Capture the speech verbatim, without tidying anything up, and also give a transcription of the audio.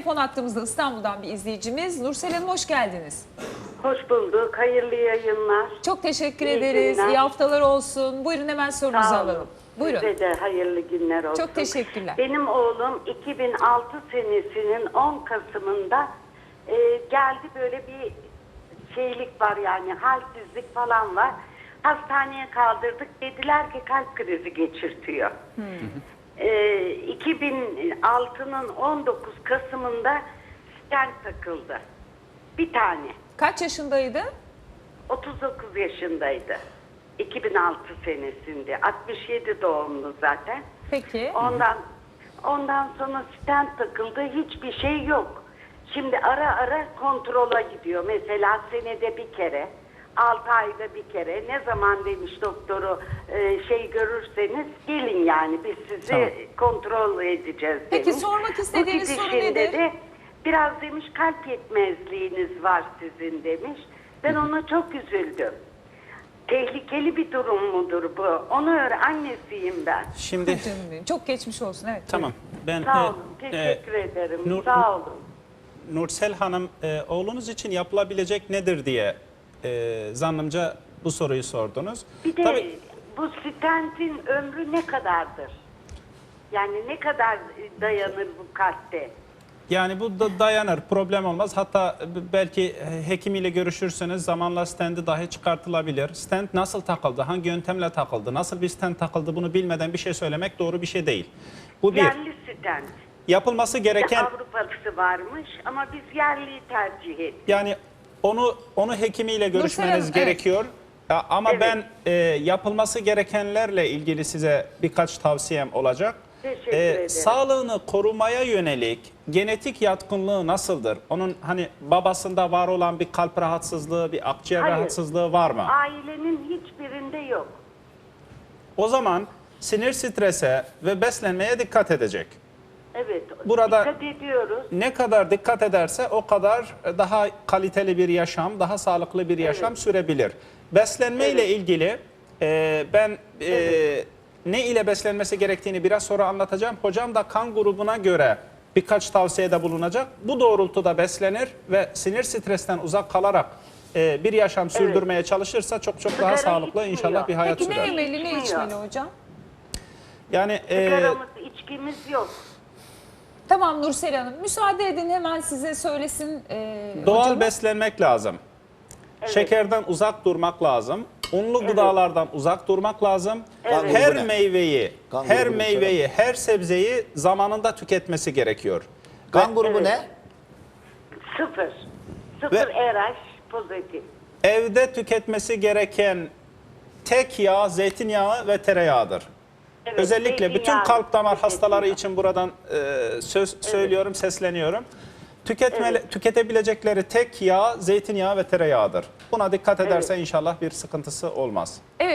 telefon hattımızda İstanbul'dan bir izleyicimiz. Nursel Hanım hoş geldiniz. Hoş bulduk. Hayırlı yayınlar. Çok teşekkür İyi ederiz. günler. İyi haftalar olsun. Buyurun hemen sorunuzu Sağ olun. alalım. Buyurun. Size de hayırlı günler olsun. Çok teşekkürler. Benim oğlum iki bin altı senesinin on Kasım'ında e, geldi, böyle bir şeylik var, yani halsizlik falan var. Hastaneye kaldırdık. Dediler ki kalp krizi geçirtiyor. Hmm. E, iki bin altının on dokuz Kasım'ında stent takıldı. Bir tane. Kaç yaşındaydı? otuz dokuz yaşındaydı. iki bin altı senesinde. altmış yedi doğumlu zaten. Peki. Ondan ondan sonra stent takıldı. Hiçbir şey yok. Şimdi ara ara kontrola gidiyor. Mesela senede bir kere, altı ayda bir kere. Ne zaman demiş doktoru, e, şey görürseniz gelin, yani biz sizi Tamam. kontrol edeceğiz demiş. Peki sormak istediğiniz Bu soru gidişinde nedir? de biraz demiş kalp yetmezliğiniz var sizin demiş. Ben ona çok üzüldüm. Tehlikeli bir durum mudur bu? Onu öğren. Annesiyim ben. Şimdi Çok geçmiş olsun. Evet. tamam. Ben Sağ e, olun. Teşekkür e, ederim. Nur- Sağ olun. Nursel Hanım, e, oğlunuz için yapılabilecek nedir diye e, zannımca bu soruyu sordunuz. Bir de Tabii, bu stentin ömrü ne kadardır? Yani ne kadar dayanır bu kalpte? yani bu da dayanır, problem olmaz. Hatta belki hekimiyle görüşürseniz zamanla stenti dahi çıkartılabilir. Stent nasıl takıldı, hangi yöntemle takıldı, nasıl bir stent takıldı, bunu bilmeden bir şey söylemek doğru bir şey değil. Bu bir. Yerli stent. Yapılması gereken, Avrupalısı varmış ama biz yerliyi tercih ettik. yani onu onu hekimiyle görüşmeniz Hanım, evet. gerekiyor. Ya, ama Evet. ben e, yapılması gerekenlerle ilgili size birkaç tavsiyem olacak. Teşekkür E, ederim. Sağlığını korumaya yönelik genetik yatkınlığı nasıldır? Onun hani babasında var olan bir kalp rahatsızlığı, bir akciğer Hayır. rahatsızlığı var mı? Ailenin hiçbirinde yok. O zaman sinir strese ve beslenmeye dikkat edecek. Evet. Burada- dikkat ediyoruz. Ne kadar dikkat ederse o kadar daha kaliteli bir yaşam, daha sağlıklı bir yaşam Evet. sürebilir. Beslenme ile Evet. ilgili e, ben e, Evet. ne ile beslenmesi gerektiğini biraz sonra anlatacağım. Hocam da kan grubuna göre birkaç tavsiyede bulunacak. Bu doğrultuda beslenir ve sinir stresten uzak kalarak e, bir yaşam sürdürmeye çalışırsa çok çok daha Sigara sağlıklı içmiyor. inşallah bir hayat Peki ne sürer. yemeli, ne İçmiyor. içmeli hocam? Yani e, Sigaramız, içkimiz yok. Tamam Nursel Hanım. Müsaade edin hemen size söylesin e, doğal hocamız. beslenmek lazım. Evet. Şekerden uzak durmak lazım. Unlu gıdalardan uzak durmak lazım. Evet. Her grubu ne? meyveyi, Kan her grubu meyveyi, her sebzeyi zamanında tüketmesi gerekiyor. Kan grubu Evet. ne? Sıfır. Sıfır Ve- R H pozitif. Evde tüketmesi gereken tek yağ zeytinyağı ve tereyağıdır. Evet, Özellikle bütün zeytinyağı kalp damar hastaları tüketiyor. için buradan e, söz söylüyorum, sesleniyorum. Tüketmeli, Evet. Tüketebilecekleri tek yağ zeytinyağı ve tereyağıdır. Buna dikkat ederse inşallah bir sıkıntısı olmaz. Evet.